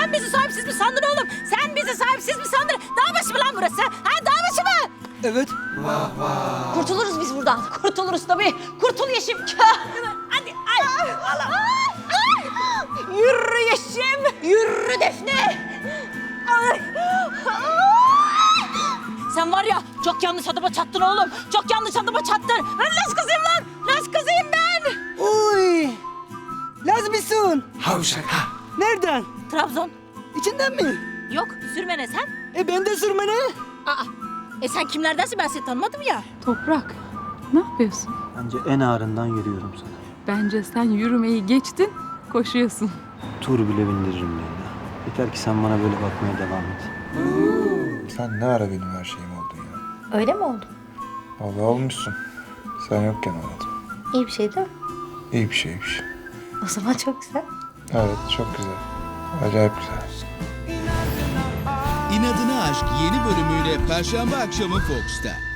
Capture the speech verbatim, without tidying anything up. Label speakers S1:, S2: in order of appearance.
S1: Sen bizi sahipsiz mi sandın oğlum? Sen bizi sahipsiz mi sandın? Dağ başı mı lan burası? Ha dağ başı mı?
S2: Evet.
S1: Kurtuluruz biz buradan. Kurtuluruz tabii. Kurtul Yeşim. Hadi ay. Allah. Ay. Yürü Yeşim. Yürü Defne. Ay. Sen var ya çok yanlış adama çattın oğlum. Çok yanlış adama çattın. Ben Laz kızıyım lan. Laz kızıyım ben.
S2: Uy. Laz mısın?
S3: Havşak ha.
S2: Nereden?
S1: Trabzon.
S2: İçinden mi?
S1: Yok sürmene sen.
S2: E ben de sürmene.
S1: Aa. E sen kimlerdensin ben seni tanımadım ya.
S4: Toprak, ne yapıyorsun?
S5: Bence en ağırından yürüyorum sana.
S4: Bence sen yürümeyi geçtin, koşuyorsun.
S5: Tur bile bindiririm Leyla. Yeter ki sen bana böyle bakmaya devam et.
S3: Sen ne ara benim her şeyim oldun ya.
S6: Öyle mi oldu?
S3: Vallahi olmuşsun. Sen yokken oldu.
S6: İyi bir şey değil mi?
S3: İyi bir şeymiş.
S6: O zaman çok güzel.
S3: Evet çok güzel. Acayip güzel.
S7: İnadına Aşk yeni bölümüyle Perşembe akşamı Fox'ta.